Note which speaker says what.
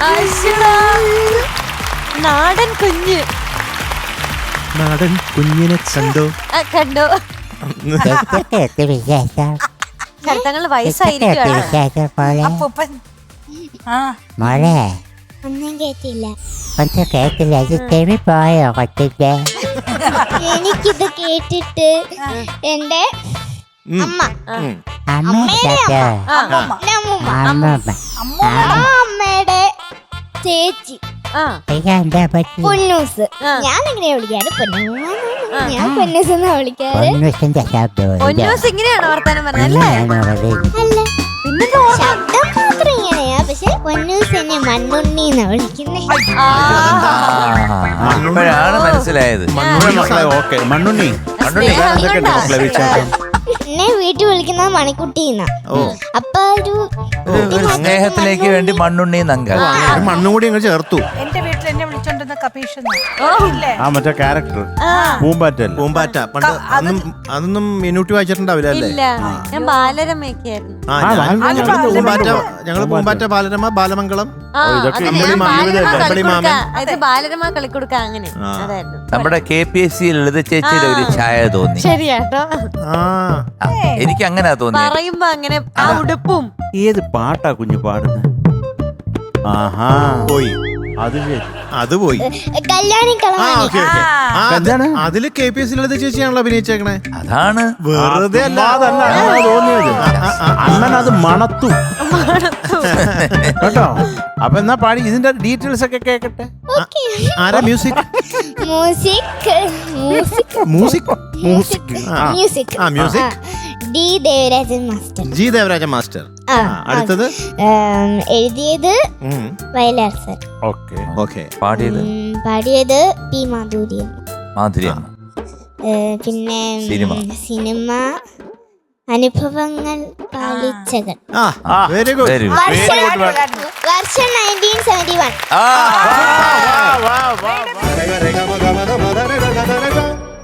Speaker 1: നാടൻ കുഞ്ഞ്.
Speaker 2: നാടൻ കുഞ്ഞിനെ കണ്ടോ?
Speaker 1: കണ്ടോ? ശരത്തങ്ങൾ വയസ്സായിരിക്കും.
Speaker 3: മോളെ
Speaker 4: ഒന്നും കേട്ടില്ല.
Speaker 3: ഒന്നും കേട്ടില്ല. ഇത് ചെവി പോയോ കൊച്ചിന്റെ?
Speaker 4: എനിക്കിത് കേട്ടിട്ട് എന്റെ അമ്മ അമ്മയുടെ ചേച്ചി പൊന്നൂസ്. ഞാൻ എങ്ങനെയാ വിളിക്കാറ്? ഞാൻ പൊന്നൂസ് എന്നാ വിളിക്കാറ്.
Speaker 1: പൊന്നൂസ് ഇങ്ങനെയാണോ വർത്താനം പറഞ്ഞല്ലേ?
Speaker 4: അല്ല, ശബ്ദം മാത്രം ഇങ്ങനെയാ. പക്ഷെ പൊന്നൂസ് എന്നെ മണ്ണുണ്ണി എന്നാ വിളിക്കുന്നേ.
Speaker 5: അപ്പോഴാണ് മനസ്സിലായത്.
Speaker 2: മണ്ണുണ്ണി
Speaker 4: എന്നെ വീട്ടിൽ വിളിക്കുന്നത് മണിക്കുട്ടിന്നാ. അപ്പൊ ഒരു
Speaker 5: സ്നേഹത്തിലേക്ക് വേണ്ടി മണ്ണുണ്ണി നങ്ക
Speaker 2: മണ്ണും കൂടി അങ്ങ് ചേർത്തു.
Speaker 6: എന്റെ വീട്ടിൽ എന്നെ വിളിച്ചോണ്ടിരുന്ന കപീഷ്
Speaker 2: മറ്റേ ക്യാരക്ടർ പൂമ്പാറ്റ. പണ്ട് അതൊന്നും മിനൂട്ടി വായിച്ചിട്ടുണ്ടാവില്ല അല്ലേ?
Speaker 1: ഇല്ല, ഞാൻ ബാലരമയൊക്കെയായിരുന്നു.
Speaker 2: ഞങ്ങള് പൂമ്പാറ്റ, ബാലരമ, ബാലമംഗളം,
Speaker 1: ബാലരമ കളിക്കൊടുക്ക അങ്ങനെ.
Speaker 5: നമ്മുടെ KPSC ലളിത ചേച്ചിയുടെ ഒരു ഛായ തോന്നി.
Speaker 1: ശരിയാട്ടോ,
Speaker 5: എനിക്ക് അങ്ങനെ തോന്നി.
Speaker 1: പറയുമ്പോ അങ്ങനെ ആ ഉടുപ്പും.
Speaker 2: ഏത് പാട്ടാ കുഞ്ഞു പാടുന്നത്? ആഹാ, പോയി. അത് ശരി, അത് പോയി.
Speaker 4: കല്യാണി
Speaker 2: അതില് KPSC ലളിത ചേച്ചിയാണല്ലോ അഭിനയിച്ചേക്കണേ.
Speaker 5: അതാണ്
Speaker 2: വെറുതെ തോന്നിയത്. അണ്ണൻ അത് മണത്തു കേട്ടോ. അപ്പൊ എന്നാ പാടി ഇതിന്റെ ഡീറ്റെയിൽസ് ഒക്കെ കേക്കട്ടെ. ആരാ music? Music
Speaker 4: D Devarajan master.
Speaker 2: G Devarajan master. അടുത്തത്
Speaker 4: എഴുതിയത് വയലാർ സർ.
Speaker 2: ഓക്കെ.
Speaker 5: പാടിയത്
Speaker 4: പി മാധുര്യമ്മ. പിന്നെ സിനിമ അനുഭവങ്ങൾ പാലിച്ചകൾ.
Speaker 2: Very good.
Speaker 4: വർഷം 1971.